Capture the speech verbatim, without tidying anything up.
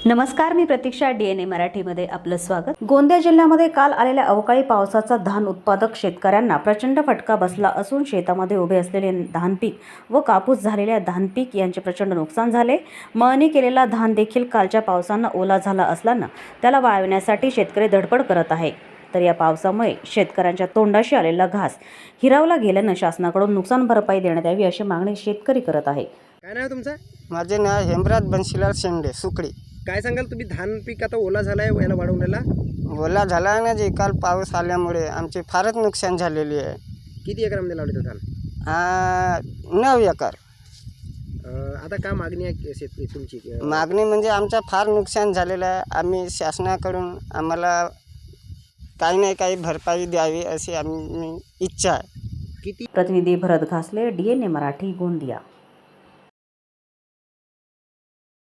नमस्कार, मी प्रतीक्षा. D N ए मराठीमध्ये आपलं स्वागत. गोंदिया जिल्ह्यामध्ये काल आलेल्या अवकाळी पावसाचा धान उत्पादक शेतकऱ्यांना प्रचंड फटका बसला असून शेतामध्ये उभे असलेले धान पीक व कापूस झालेल्या धान पीक यांचे प्रचंड नुकसान झाले. मळणी केलेला धान देखील कालच्या पावसानं ओला झाला असल्यानं त्याला वाळवण्यासाठी शेतकरी धडपड करत आहे. तर या पावसामुळे शेतकऱ्यांच्या तोंडाशी आलेला घास हिरावला गेल्यानं शासनाकडून नुकसान भरपाई देण्यात यावी अशी मागणी शेतकरी करत आहे. काय नाव तुमचं? माझे नाव हेमराज बन्शीलाल शेंडे सुकडी. काय सांगाल तुम्ही? धान पीक आता ओला झालाय, याला वाढवण्याला ओला झाला ना जे काल पाऊस आल्यामुळे आमचे फारच नुकसान झालेली आहे. किती एकरामध्ये लावले तो धान? आ, नऊ एकर. अं, आता काय मागणी आहे शेतकरी तुमची? मागणी म्हणजे आमचा फार नुकसान झालेलं आहे. आम्ही शासनाकडून आम्हाला काही नाही काही भरपाई द्यावी अशी आम्ही इच्छा आहे. किती? प्रतिनिधी Bharat Ghasle, D N A Marathi, Gondia.